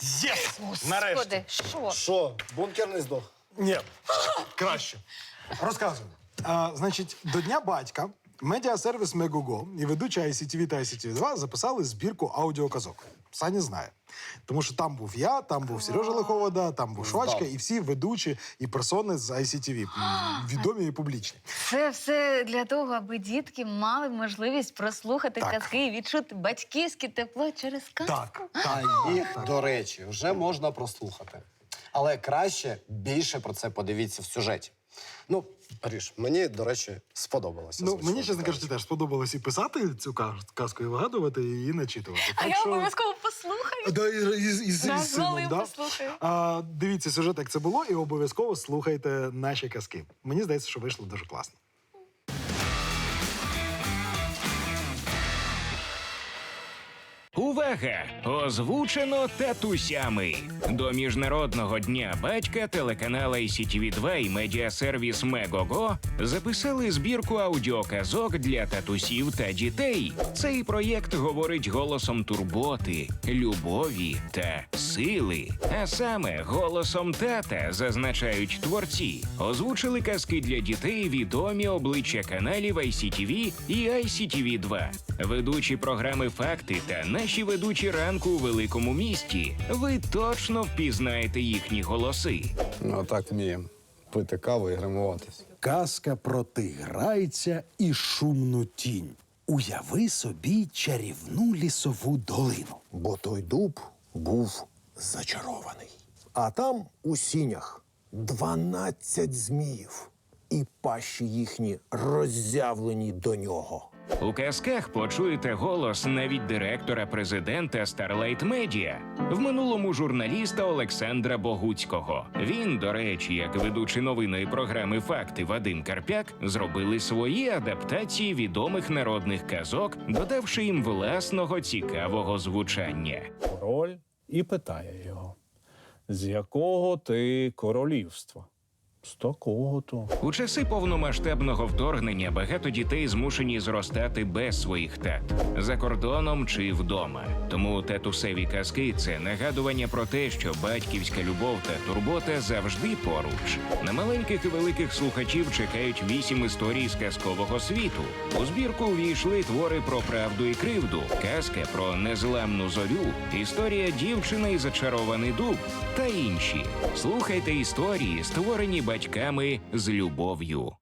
Єс! Господи, Нарешті. що? Що, бункер не здох? Ні, краще. Розказую. Значить, до Дня батька медіасервіс Мегого і ведуча ICTV та ICTV2 записали збірку аудіоказок. Саня знає. Тому що там був я, там був Сережа Лиховода, там був Швачка і всі ведучі і персони з ICTV. Відомі і публічні. Це все для того, аби дітки мали можливість прослухати Так. казки і відчути батьківське тепло через казку. Так, А так. їх, до речі, вже можна прослухати. Але краще більше про це подивіться в сюжеті. Ну, Аріш, мені, до речі, сподобалося. Ну, мені, чесно кажучи, теж сподобалось і писати цю казку, і вигадувати, і її начитувати. А я обов'язково послухаю. Да, і Да, з сином, да? послухаю. Дивіться сюжет, як це було, і обов'язково слухайте наші казки. Мені здається, що вийшло дуже класно. Увага! Озвучено татусями. До Міжнародного дня батька телеканал ICTV2 і медіасервіс Мегого записали збірку аудіоказок для татусів та дітей. Цей проєкт говорить голосом турботи, любові та сили. А саме голосом тата, зазначають творці. Озвучили казки для дітей відомі обличчя каналів ICTV і ICTV2. Ведучі програми «Факти» та наші ведучі ранку у великому місті. Ви точно впізнаєте їхні голоси. Ну, так вміємо. Пити каву і гримуватись. Казка про тиграйця і шумну тінь. Уяви собі чарівну лісову долину. Бо той дуб був зачарований. А там у сінях 12 зміїв, і пащі їхні роззявлені до нього. У казках почуєте голос навіть директора президента Starlight Media, в минулому журналіста Олександра Богуцького. Він, до речі, як ведучий новинної програми «Факти» Вадим Карпяк, зробили свої адаптації відомих народних казок, додавши їм власного цікавого звучання. Король і питає його: з якого ти королівства? З такого-то. У часи повномасштабного вторгнення багато дітей змушені зростати без своїх тат, за кордоном чи вдома. Тому татусеві казки – це нагадування про те, що батьківська любов та турбота завжди поруч. На маленьких і великих слухачів чекають 8 історій з казкового світу. У збірку увійшли твори про правду і кривду, казка про незламну зорю, історія «Дівчина і зачарований дуб» та інші. Слухайте історії, створені батьками з любов'ю.